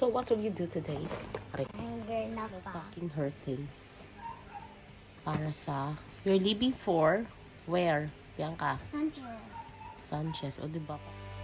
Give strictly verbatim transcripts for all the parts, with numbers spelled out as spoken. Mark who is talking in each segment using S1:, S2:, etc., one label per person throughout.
S1: So what will you do today?
S2: I'm gonna pa.
S1: Packing her things. Para sa... You're leaving for... Where? Bianca?
S2: Sanchez.
S1: Sanchez. O, diba?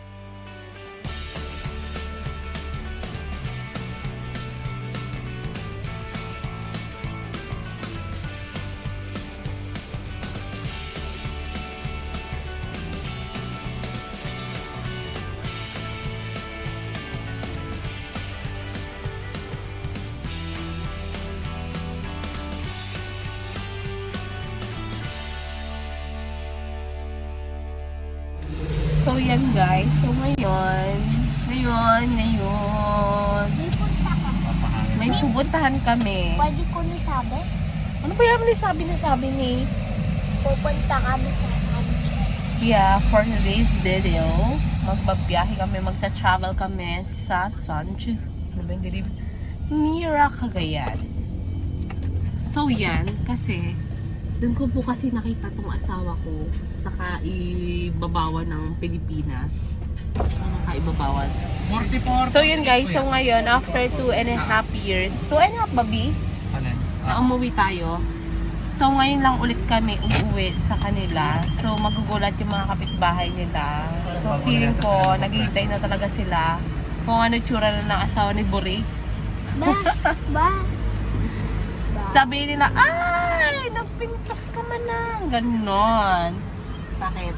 S1: So, yan guys. So, ngayon, ngayon, ngayon,
S2: May punta ka.
S1: may pupuntahan kami.
S2: Pwede ko ni sabi?
S1: Ano ba yung sabi na sabi ni?
S2: Pupunta kami sa Sanchez.
S1: Yeah, for today's video, magbabiyahe kami, magta-travel kami sa Sanchez. Ano ba yung dilim? Mira, Cagayan. So, yan, kasi, doon ko po kasi nakita tong asawa ko sa kaibabawan ng Pilipinas. Ano kaibabawan?
S3: forty-four.
S1: So yun guys, so ngayon, after two and a half years, two and a half babi,
S3: Alin?
S1: na umuwi tayo. So ngayon lang ulit kami umuwi sa kanila. So magugulat yung mga kapitbahay nila. So feeling ko, naghihintay na talaga sila kung ano tsura na ng asawa ni Buri.
S2: Ba? Ba?
S1: Sabi nila, ay, nagpintas ka man na. Ganon. Bakit?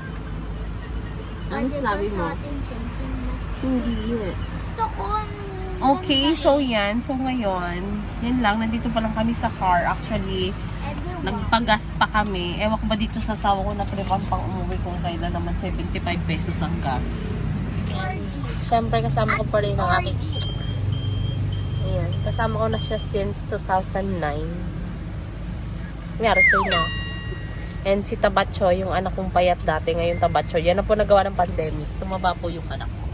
S1: Ano sabi mo? Hindi.
S2: Gusto ko.
S1: Okay, so yan. So ngayon, yan lang. Nandito pa lang kami sa car. Actually, nagpagas pa kami. Ewan ko ba dito sa sawa ko na tripan pang umuwi kung kailan naman seventy-five pesos ang gas. Siyempre, kasama ko pa rin ang aking... Ayan, kasama ko na siya since two thousand nine. Meron sa'yo na. And si Tabacho, yung anak kong payat dati, ngayon Tabacho, yan na po nagawa ng pandemic. Tumaba po yung anak ko.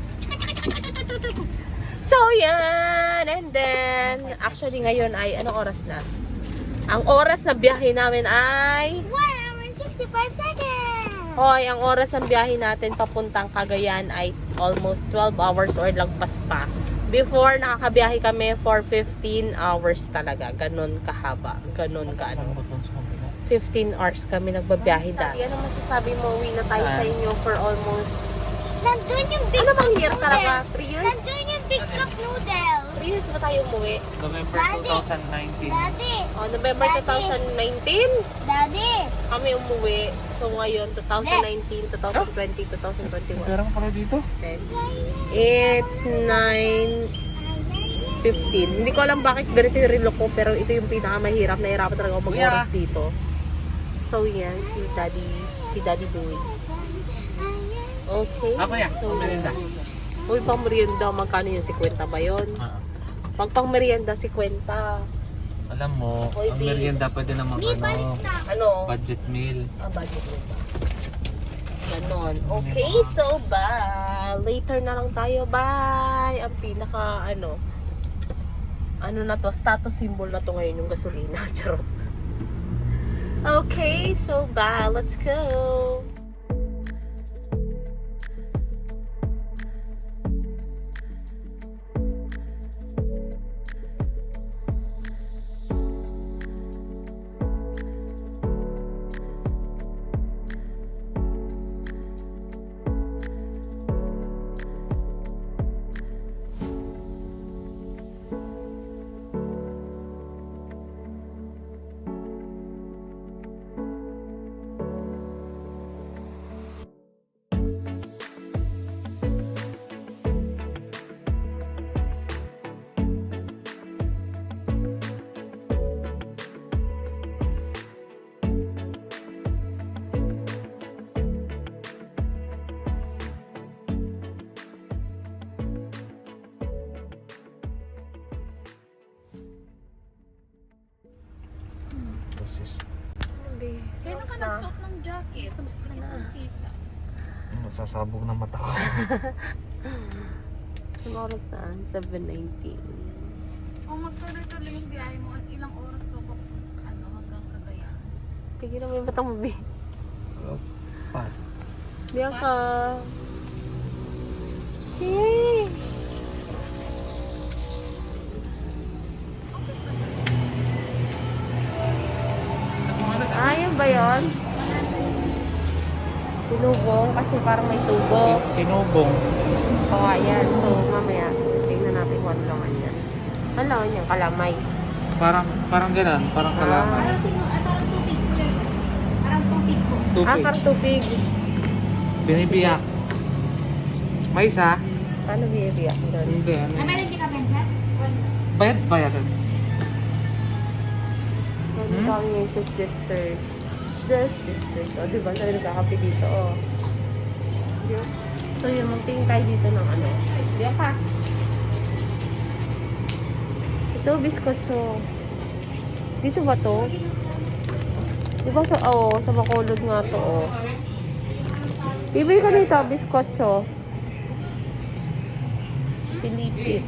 S1: So, yan! And then, actually ngayon ay, anong oras na? Ang oras na biyahe namin ay...
S2: one hour and sixty-five seconds!
S1: Hoy, ang oras ng biyahe natin papuntang Cagayan ay almost twelve hours or lagpas pa. Before, nakakabiyahe kami for fifteen hours talaga. Ganon kahaba. Ganon ka ano. fifteen hours kami nagbabiyahe dati. Ano masasabi mo? Uwi na tayo sa inyo for almost...
S2: Nandun yung big
S1: Ano
S2: cup
S1: bang year
S2: noodles.
S1: talaga? three years?
S2: Nandun yung big cup noodles.
S1: three years ba tayo umuwi?
S3: November
S2: Daddy.
S3: twenty nineteen.
S2: Daddy.
S1: Oh, November twenty nineteen?
S2: Daddy.
S1: Kami umuwi. So ngayon, twenty nineteen, twenty twenty, twenty twenty-one.
S3: Pera mo pala dito?
S1: It's nine fifteen. Hindi ko alam bakit ganito yung relo ko, pero ito yung pinakamahirap. Nahirapan talaga ako mag-oras dito. So yan, si Daddy, si Daddy Boy. Okay.
S3: Ako yan,
S1: So,
S3: merienda.
S1: uy, pang merienda, magkano yung fifty ba yun?
S3: Ah.
S1: Pag pang merienda, fifty.
S3: Alam mo,
S1: Oy,
S3: ang
S1: babe.
S3: merienda pwede naman
S2: Di balik
S3: ano,
S2: na.
S1: Ano?
S3: budget meal.
S1: Ah, budget mo ba? Ganon. Okay, so bye. Later na lang tayo. Bye. Ang pinaka, ano, ano na to, status symbol na to ngayon yung gasolina. Charot. Okay, so bye. Let's go.
S3: Assist.
S4: Kaya ka nagsuot ng jacket, tapos hindi kita kita.
S3: Nagsasabog na mata ko.
S1: Ang oras na? seven nineteen.
S4: Kung magtuloy-tuloy yung biyahe mo, at ilang oras pa pa ano, hanggang Cagayan?
S1: Tigil mo yung batang mabi.
S3: Pa.
S1: Bianca. Hey! Tinubong kasi parang may tubo.
S3: Tinubong.
S1: O, ayan. So, mamaya, tingnan natin kung ano laman yan. Ano laman yan? Kalamay.
S3: Parang, parang ganun. Parang kalamay.
S2: Parang tinu- ah, parang tubig po yan. Parang tubig po.
S1: Ah,
S3: Tubig.
S1: parang tubig.
S3: Binibiyak. May isa?
S1: Paano binibiyak doon?
S3: Hindi. Ano?
S2: Ah, meron di ka pensa?
S3: Bayad, bayad.
S1: Nandito
S3: Hmm?
S1: kami ngayon sa sisters. The sisters. O, diba? Sabi nagkakape dito, o. Diba? So, yun, magtingin tayo dito ng ano. Diyan ka. Ito, biskotso. Dito ba to? Diba sa, oo, oh, sa Bacolod nga to, oh. Bibili ka nito, biskotso. Pilipit.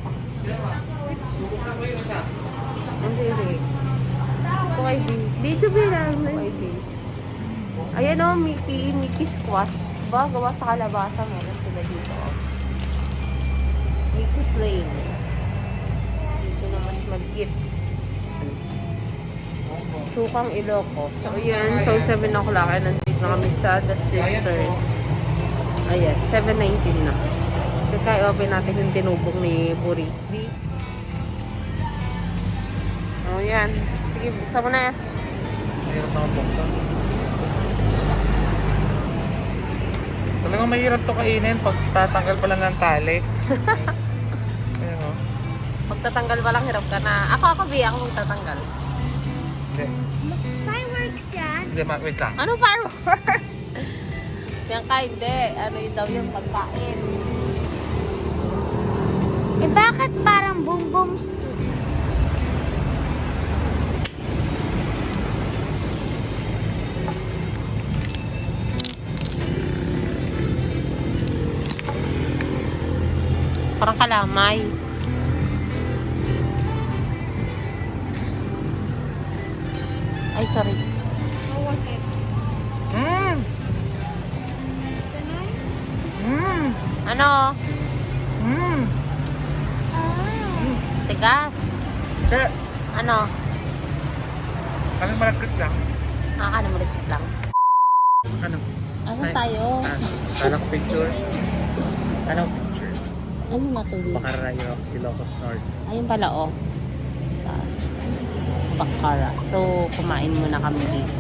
S1: Ang bibili. Ito kay B. Dito bilang. Kay B. Ayan o, Mickey, Mickey Squash. Diba? Gawa sa kalabasa. Meron sila dito. Oh. Mickey Plain. Dito na mas mag-gift. Sukang Iloco. So, ayan. So, seven o'clock. Ayan, nandito na kami sa The Sisters. Ayan, seven nineteen na. Kaya open natin yung tinubong ni Puri. B. Oh, yan. Sige, buksan mo na yan.
S3: Mahirap na buksan. Talagang mahirap to kainin pag tatanggal pa lang ng tali. Ayan o.
S1: Magtatanggal pa lang, hirap ka na. Ako, ako, B. Ako magtatanggal.
S3: Hindi.
S2: Fireworks yan.
S3: Hindi, ma- wait lang.
S1: Ano firework? Yan ka, hindi. Ano yun daw yung pagkain.
S2: Eh bakit parang boom boom stew?
S1: Parang kalamay. Ay, sorry.
S3: Mmm! Mmm!
S1: Ano?
S3: Mmm!
S1: Tigas.
S3: Kaya,
S1: Ano?
S3: kaming malagkit lang.
S1: Nakakanamulit lang.
S3: Ano?
S1: Ano
S3: Ay.
S1: tayo?
S3: Ah, kala ko picture. Anong picture?
S1: Ano natuloy?
S3: Bacarayo, Ilocos North.
S1: Ayun pala, oh. Ah, Bakara. So, kumain muna kami dito.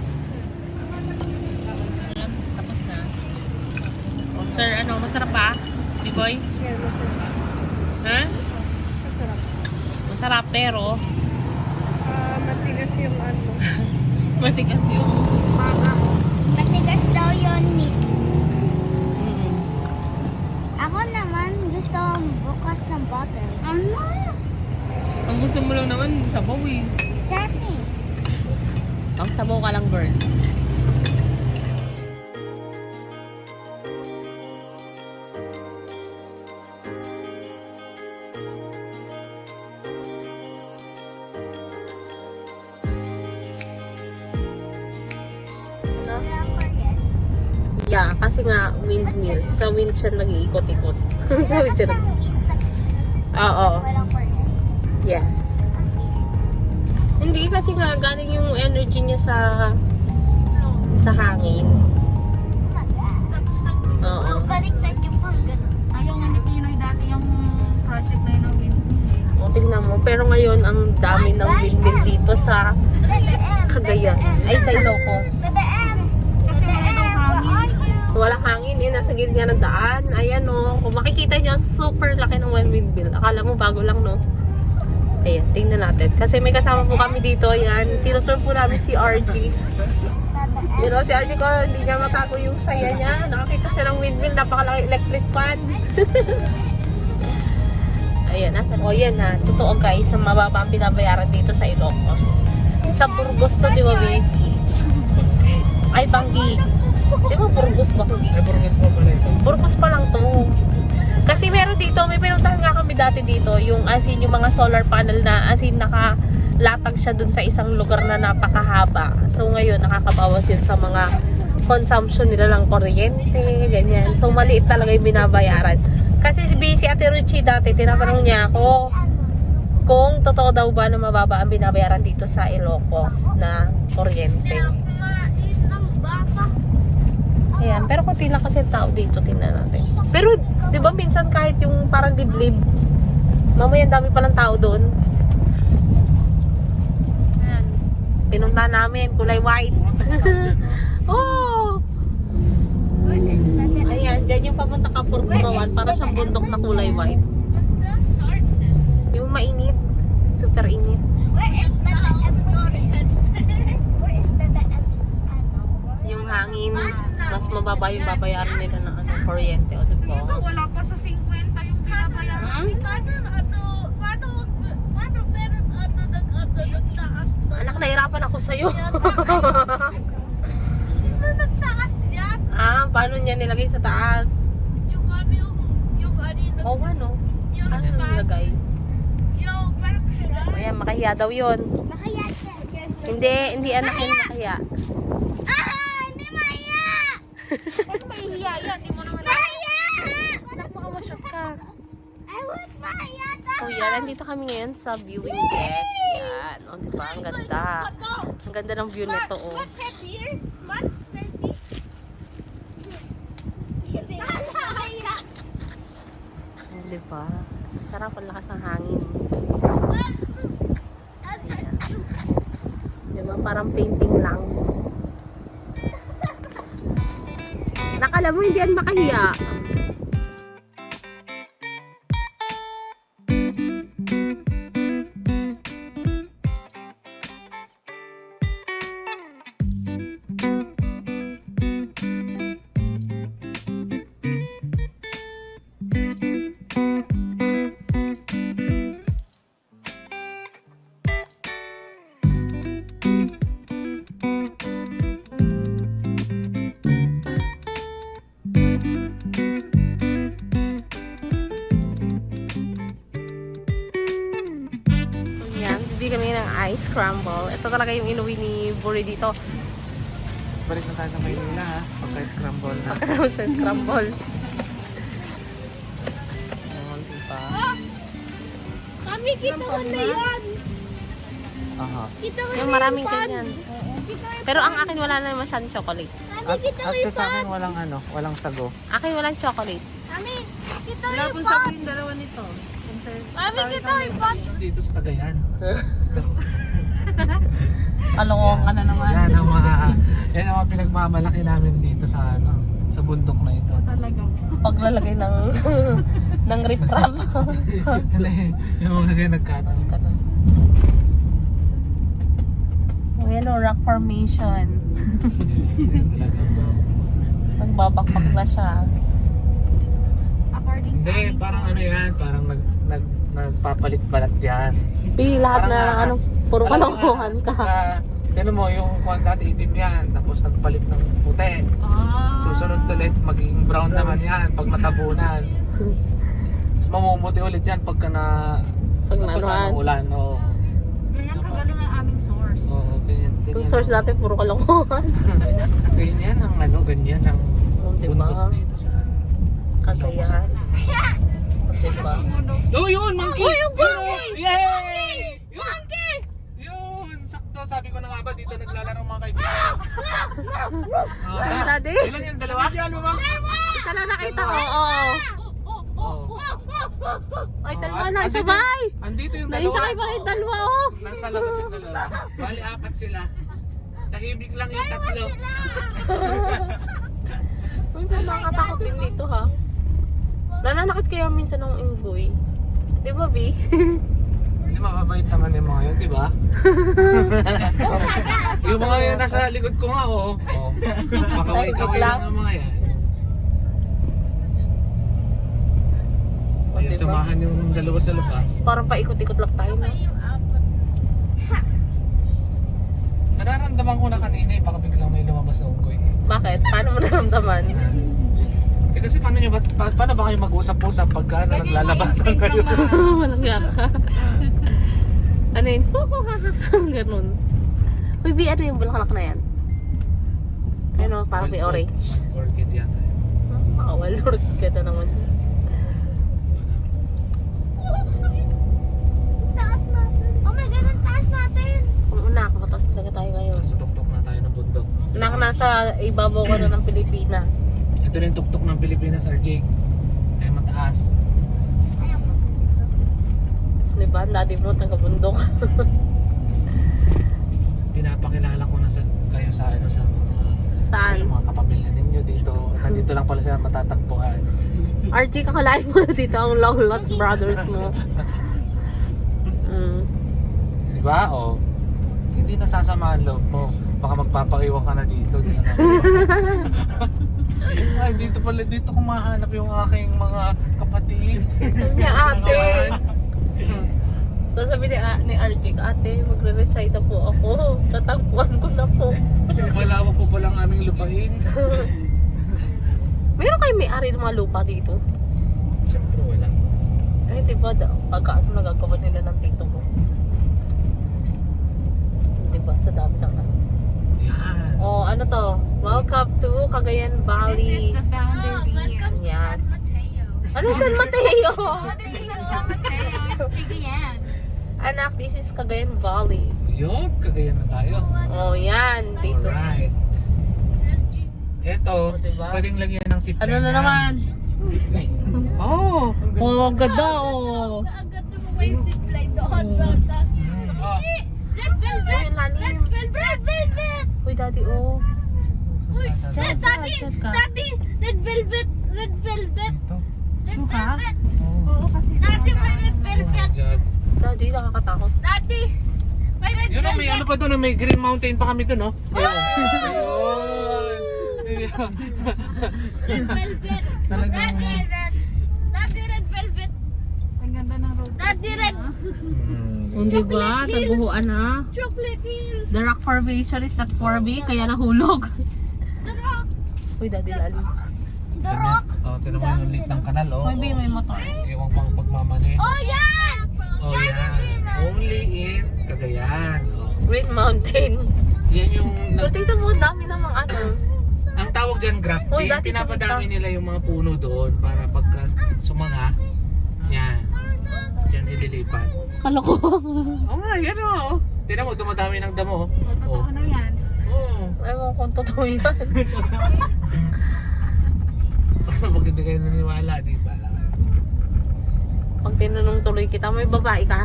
S1: Tapos na. Oh, sir, ano? Masarap ba? Bigoy? Ha?
S4: Masarap.
S1: Masarap, pero
S4: Ah, matigas yung ano.
S1: matigas yung...
S2: Matigas daw yon meat.
S1: Mm.
S2: Ako naman gusto bukas ng bottle. Ano?
S1: Ang gusto mo lang naman, sabaw eh.
S2: Sarap eh.
S1: Ang sabaw ka lang, girl. Yeah, kasi nga windmill. Sa wind siya nag-iikot-ikot. Sa wind siya nag- Oo.
S2: Walang kuryente.
S1: Yes. Hindi kasi nga galing yung energy niya sa sa hangin. Oo.
S2: Baliktad yung pang ganun.
S4: Ayaw nga ni Pinoy dati yung project na yun ng windmill.
S1: O, tingnan mo. Pero ngayon, ang dami ng windmill dito sa Cagayan. Ay, sa Ilocos.
S2: B B M.
S4: Kasi wala daw hangin.
S1: Walang hangin eh. Nasa gilid ng daan. Ayan o. Kung makikita nyo, super laki ng windmill. Akala mo bago lang, no? Ayan, tingnan natin. Kasi may kasama po kami dito. Ayan, tinutur po namin si R G. You know, si R G ko, hindi niya matago yung saya niya. Nakakita siya ng windmill. Napakalaki electric fan. Ayan na. O yan ha. Totoo guys, na mababa ang binabayaran dito sa Ilocos. Sa Burgos to, di ba, babe? Ay, Banggi. Di ba Burgos ba?
S3: Ay, Burgos mo pala ito.
S1: Burgos pa lang to. Kasi meron dito, may pinuntahan nga kami dati dito, yung as in, yung mga solar panel na as in nakalatag siya dun sa isang lugar na napakahaba. So ngayon, nakakabawas yun sa mga consumption nila ng kuryente, ganyan. So maliit talaga yung binabayaran. Kasi si Busy Ate Ruchi dati, tinatanong niya ako kung totoo daw ba na mababa ang binabayaran dito sa Ilocos na kuryente.
S2: Kumain ng baka.
S1: Ayan, pero konti lang kasi tao dito, tingnan natin. Pero, di ba minsan kahit yung parang liblib, mamaya ang dami palang tao doon. Ayan. Pinunta namin, kulay white. Oh! Ayan, dyan yung papunta ka Purpurawan para siyang bundok na kulay white. Yung mainit, super init.
S2: Where is the Where is the ano?
S1: Yung hangin, mas mababa yung babayaran nila ng ano, kuryente, o diba?
S4: Diba, wala pa sa fifty yung binabayaran.
S1: Anak, nahirapan ako sa'yo.
S4: Sino nagtaas yan?
S1: Ah, paano niya nilagay sa taas?
S4: Yung ano yung, yung ano yung,
S1: Oo, ano?
S4: yung
S1: Ano nilagay?
S4: yung, parang siya.
S1: Ayan, makahiya daw yun.
S2: Makayat.
S1: Hindi, hindi anak yun makahiya.
S2: Ah! Hindi maya!
S4: Ano mahihiya yan? Di mo naman
S2: Maya!
S1: Anak, baka ma-shock ka.
S2: I was maya!
S1: So yan, nandito kami ngayon sa viewing deck. Yan, o diba? Ang ganda. Ang ganda ng view nito, o.
S4: What's that here? What's twenty?
S2: Maya!
S1: O, diba? Sarap ang lakas ng hangin. Ayan. Diba? Parang painting lang. Nakala mo, hindi yan makahiya. Bibili kami ng ice scramble. Ito talaga yung inuwi ni Buri dito.
S3: Balik na tayo sa Maynila ha. Pagka-scramble na.
S1: Pagkakaroon sa scramble. Oh, diba?
S2: Kami, kita ko na yan!
S3: Aha.
S2: Kita ko
S1: Yung
S2: na
S1: maraming
S2: yung pan.
S1: ganyan.
S2: Kita ko
S1: Pero ang akin wala na masyadong chocolate.
S2: Kami,
S3: At,
S2: kita ko
S3: at
S2: yung
S3: sa akin
S2: pan.
S3: walang ano, walang sago.
S1: Akin walang chocolate.
S2: Kami, kita ko
S4: Wala
S2: yung
S4: pong
S2: pan.
S4: sabi yung dalawa nito.
S2: Kami, kita ko yung pan.
S3: Dito sa Cagayan.
S1: Kalungong ka na naman.
S3: Yan ang mga, yan ang mga pinagmamalaki namin dito sa ano, sa bundok na ito.
S4: Talaga.
S1: Paglalagay ng ng rip-rap.
S3: Yung mga kaya nagkatas.
S1: ka na. Oh, yan o, rock formation. Nagbabakbak na siya.
S4: According sa
S3: Hindi,
S4: aming
S3: parang
S4: source.
S3: ano yan, parang nag, nag, nagpapalit-balat yan.
S1: Di, lahat na
S3: Parang
S1: ano,
S3: ahas.
S1: puro
S3: Alam mo,
S1: kalungkuhan
S3: ahas,
S1: ka.
S3: pagka- Tignan mo, yung kwan dati itim yan, tapos nagpalit ng puti.
S4: Ah.
S3: Susunod ulit, magiging brown naman yan pag matabunan. Tapos mamumuti ulit yan pagka na...
S1: Pag
S3: tapos
S1: nanuhan.
S3: ano, ulan, oo.
S4: Ganyan kagaling ang aming source.
S3: Oo, ganyan, ganyan.
S1: Yung source natin, puro kalungkuhan.
S3: Ganyan ang ano, ganyan ang
S1: Oh, diba?
S3: bundok dito sa...
S1: Kagayan. Diba?
S3: Oh, yun! Monkey!
S1: Oh, yung monkey!
S3: Yay! Monkey! Yun! Sakto, sabi ko na nga ba, dito naglalaro mga kaibigan. Oh,
S1: Ano, daddy?
S3: ilan yung dalawa? Yan mo,
S1: Isa lang nakita ko, oo.
S3: Oh.
S1: Ay,
S3: Oh,
S1: dalawa
S3: at-
S1: na,
S3: andito-
S1: sabay!
S3: Andito yung
S1: Naisa
S3: dalawa.
S1: kayo pa kayo dalawa, oh.
S3: Nasa labas yung dalawa. Bali, apat sila. Tahimik lang yung tatlo.
S1: Uy, nakakatakot din dito, ha? Nananakit kaya minsan ng inggoy. Di ba, B?
S3: Di mababait naman yung mga yun, di ba? Yung mga yun nasa likod ko nga, oo. Oh. Makaway-kaway
S1: Tahimik lang.
S3: lang ang mga yan.
S1: O,
S3: Ayun,
S1: diba?
S3: samahan yung dalawa sa labas.
S1: Parang paikot-ikot lang tayo, no?
S3: Nararamdaman ko na kanina eh, baka biglang may lumabas na unggoy.
S1: Bakit? Paano mo naramdaman?
S3: Eh kasi paano nyo ba, pa, paano ba kayo mag-usap-usap pagka ano, naglalabasan kayo?
S1: Walang yaka. Ano yun? Ganun. Uy, B, ano yung bulaklak na yan? Ano, parang may orange.
S3: Orchid yata. eh.
S1: Makawal, Lord, ganda naman.
S2: Taas natin. Oh my God, ang taas natin.
S1: Kung una, kapataas talaga tayo ngayon.
S3: Nasa tuktok na tayo ng bundok.
S1: Nak, nasa nasa ibabaw ka na ng Pilipinas.
S3: Ito na yung tuktok ng Pilipinas, R J. Ay mataas.
S1: Diba? Dati mo taga-bundok.
S3: Pinapakilala ko na sa, kayo sa ano sa mga,
S1: Saan?
S3: mga kapamilya ninyo dito. Nandito lang pala sila matatagpuan.
S1: R J, kakalain mo na dito ang long lost brothers mo. Mm.
S3: Di ba? O, hindi nasasama ang loob mo. Baka magpapaiwan ka na dito. Di na Ay, dito pala, dito ko mahanap yung aking mga kapatid.
S1: Niya ate. So sabi ni, ni R J, ate, magre-recite na po ako. Tatagpuan ko na po.
S3: Malawak po palang aming lupain.
S1: Meron kayo may-ari ng mga lupa dito?
S3: Siyempre wala.
S1: Ay, di ba, da- pagka ano nagagawa nila ng tito mo? Di ba, sa dami ng ano.
S3: Yan.
S1: Oh, ano to? Welcome to Cagayan
S4: This
S1: Valley.
S4: is the founder beer.
S1: Yan.
S2: Mateo.
S1: Ano San Mateo?
S4: This is the San Mateo. Sige yan.
S1: Anak, this is Cagayan Valley.
S3: Yun, kagayan na tayo.
S1: Oh, yan. Dito.
S3: Alright. Ito,
S1: Oh, diba?
S3: pwedeng lagyan ng zipline.
S1: Ano na naman?
S3: Zipline. Oh!
S1: Oh, ang ganda oh.
S2: Agad na mo yung zipline doon. Baltas.
S3: Oh.
S2: Red velvet.
S1: Uy, ang lalim.
S2: Red velvet. Red velvet.
S1: Uy, daddy, oh.
S2: Uy,
S1: Chat, chat,
S2: daddy.
S1: chat ka.
S2: Daddy. Red velvet. Red velvet.
S3: Ito.
S2: Red
S1: Suka?
S2: velvet.
S3: Oh.
S4: Oo, kasi
S2: Daddy, may red
S3: Oh my
S2: velvet.
S3: God.
S1: Daddy, nakakatakot.
S2: Daddy. May red
S3: Yun o, may ano
S2: velvet.
S3: pa doon, may Green Mountain pa kami doon, no? Ayun.
S2: Red velvet.
S3: Talagang-
S2: Daddy, red. Daddy, red velvet.
S4: ang ganda ng road.
S2: Daddy, red.
S3: Hmm.
S1: Oh, diba? Taguhuan na.
S2: Chocolate hills.
S1: The rock formation is at four B, kaya nahulog.
S2: The rock.
S1: Uy, daddy, lalim.
S2: The rock.
S3: Oh, tinan mo yung lake ng kanal, oh.
S1: Uy, B, may motor.
S3: Ewan pang pagmamani.
S2: Oh, yan.
S3: Oh,
S2: Yan
S3: yan.
S2: yung Green Mountain.
S3: Only in Cagayan. Oh.
S1: Great Mountain.
S3: Yan yung...
S1: Pero tingnan mo, dami namang ano.
S3: Ang tawag dyan, grafting.
S1: Uy, dati
S3: Pinapadami
S1: tumita.
S3: nila yung mga puno doon para pagka sumanga, yan. Diyan ililipat.
S1: Kalokohan.
S3: Oo nga, yan o. Tignan mo, dumadami ng damo.
S4: Totoo na yan.
S3: Oo.
S1: Ewan kung totoo yan.
S3: Pag hindi kayo naniwala, di ba?
S1: Pag tinanong tuloy kita, may babae ka?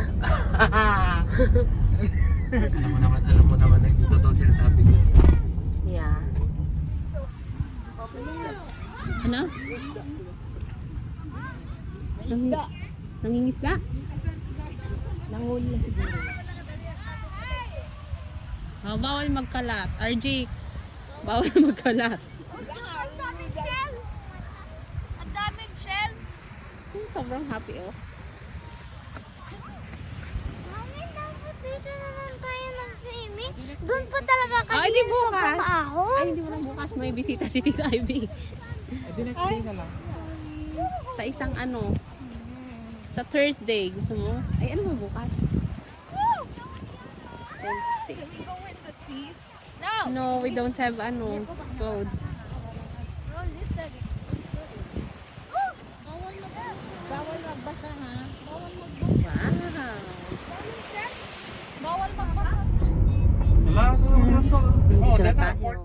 S3: alam mo naman, alam mo naman na hindi totoo sinasabi ko.
S1: Yeah. Ano? Isda. Nangingisda? Nanguli na siguro. Oh, bawal magkalat. R J, bawal magkalat.
S2: Ang daming shell. Ang daming shell.
S1: Sobrang happy oh.
S2: Mami, dapat dito naman tayo nag-swimming. Doon pa talaga kasi
S1: Ay, di
S2: yun
S1: bukas.
S2: sa pangahon.
S1: Ay, hindi mo na bukas. May bisita si Tita Ivy.
S3: Edi next day na lang.
S1: Sa isang ano, sa Thursday. Gusto mo? Ay, ano mo bukas? Wednesday.
S4: Can we go in the sea?
S2: No.
S1: No, we don't have ano, clothes.
S2: No, listen.
S1: Bawal magbasa ha? Bawal magbasa. Wow.
S4: Bawal magbasa.
S3: Wala ko naman to. Oh,
S1: Dito na
S3: data.
S1: tayo.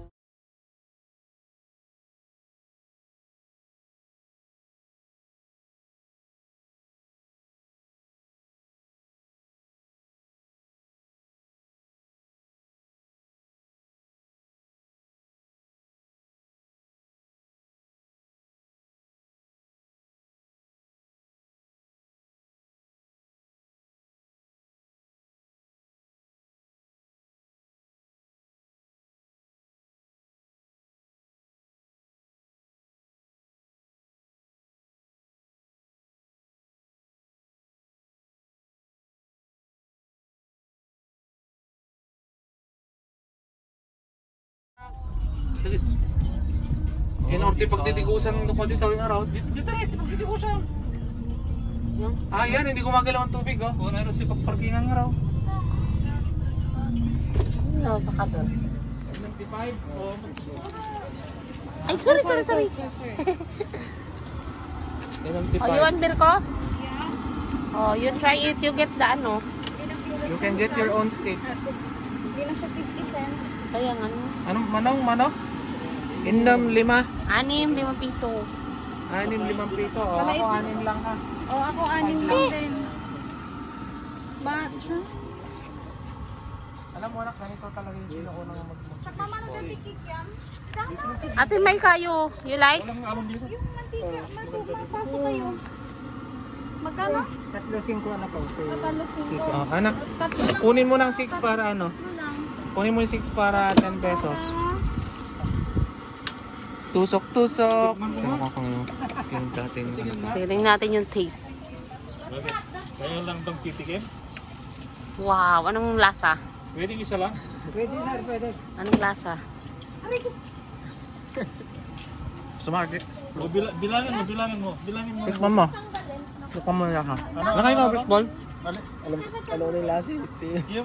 S3: Inorte pagtitigusan ko dito yung araw. Dito, dito rin, pagtitigusan.
S1: Yung?
S3: Ah, yan, hindi gumagalaw ang tubig, oh. Kung ano, pagparkingan nga raw.
S1: No, baka doon.
S3: seventy-five, oh.
S1: Ay, sorry, sorry, sorry.
S3: seventy-five.
S1: Oh, you want beer ko? Oh, you try it. You get the ano.
S3: You can get your own steak.
S4: Hindi na siya fifty cents.
S1: Kaya nga ano.
S3: Anong manong, mano? Indom, lima.
S1: Anim, limang piso.
S3: Anim, limang piso. O, ako anim lang ha.
S4: Oh, ako anim lang din. But,
S3: Alam mo anak, ganito talaga yung sila ko nang mag-fishball.
S1: Ate May kayo, you like?
S4: yung mantika, mantika, pasok kayo. Magkano?
S3: Tatlo singko anak ko.
S4: Tatalo singko.
S3: Oh, anak,
S4: Tatlo lang
S3: kunin mo ng six para ano?
S4: lang.
S3: Kunin mo yung six para ten pesos. Tusok-tusok. Ano ko kung yung dating ano.
S1: Tingnan natin yung taste.
S5: Kaya lang bang titikim?
S1: Wow, anong lasa?
S5: Pwedeng isa lang?
S1: Anong lasa?
S3: Sumakit.
S5: O, bila, bilangin mo, bilangin mo, bilangin mo.
S3: Tikman mo. Tikman mo na ha. Nakay ka, baseball?
S5: Ali,
S3: Ano ulit lasi?
S5: yung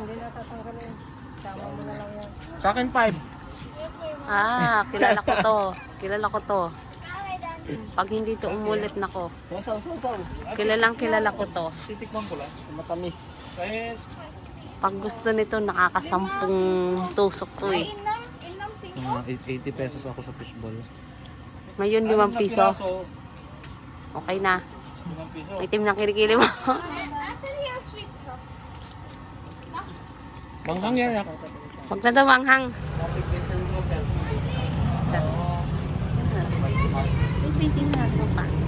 S3: Sa akin five.
S1: Ah, kilala ko to. Kilala ko to. Pag hindi to umulit nako.
S3: Saw, saw, saw.
S1: Kilalang kilala ko to.
S3: Titikman ko lang. Matamis.
S5: kahit
S1: Pag gusto nito, nakakasampung tusok to eh.
S4: Inam, inam singko.
S3: Mga eighty pesos ako sa fishball.
S1: Ngayon, limang
S5: anim na
S1: piso.
S5: piraso,
S1: Okay na.
S5: limang piso.
S1: Itim na kilikili mo.
S2: Asan yung sweet sauce?
S3: Manghang yan ako.
S1: Huwag na daw anghang. Ipitin na natin pa.